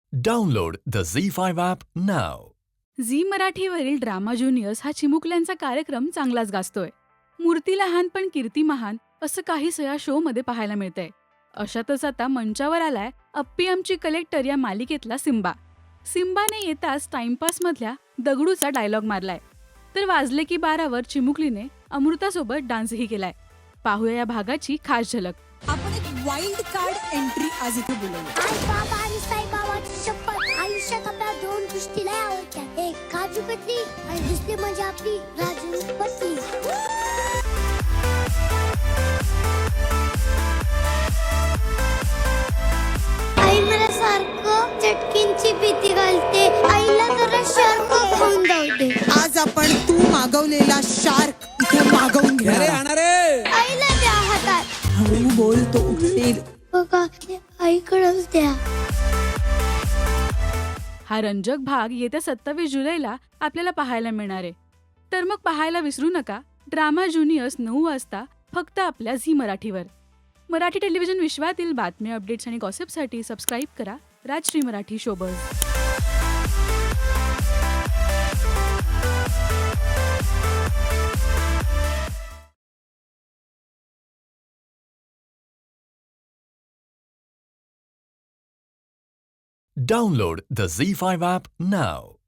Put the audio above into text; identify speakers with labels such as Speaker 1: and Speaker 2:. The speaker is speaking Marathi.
Speaker 1: Download the Z5 app now.
Speaker 2: Zee मराठीवरील ड्रामा ज्युनियर्स हा चिमुकल्यांचा कार्यक्रम चांगलाच गाजतोय. मूर्ती लहान पण कीर्ती महान असं काहीसं या शोमध्ये पाहायला मिळतंय. अशातच आता मंचावर आलाय अप्पी आमची कलेक्टर या मालिकेतला सिम्बा. सिम्बाने येताच टाइमपासमधल्या दगडूचा डायलॉग मारलाय. तर वाजले की 12वर चिमुकलीने अमृतासोबत डान्सही केलाय. पाहूया या भागाची खास झलक.
Speaker 3: आपण एक वाईल्ड कार्ड एंट्री आज इथे बोलवली.
Speaker 4: आई बाबा आणि साईबाबाची शपथ, आयुष्यात आपल्या दोन गोष्टी लय आवडतात. एक काजू कतली आणि दुसरी म्हणजे आपली राजू पत्नी. आई मला सारखं चटकींची भीती घालते. आईला जरा शार्क खाऊन जाऊ दे.
Speaker 3: आज आपण तू मागवलेला शार्क इथे मागवून घेणार आहोत.
Speaker 4: आईला द्या हातात.
Speaker 3: हळू बोल, तो उठेल.
Speaker 4: बघा आईकडेच द्या.
Speaker 2: हा रंजक भाग येत्या 27 जुलैला आपल्याला पाहायला मिळणार आहे. तर मग पाहायला विसरू नका ड्रामा ज्युनियर्स 9 वाजता फक्त आपल्या झी मराठीवर. मराठी टेलिव्हिजन विश्वातील बातम्या, अपडेट्स आणि गॉसिपसाठी सबस्क्राईब करा Rajshri Marathi showbiz.
Speaker 1: Download the Z5 app now.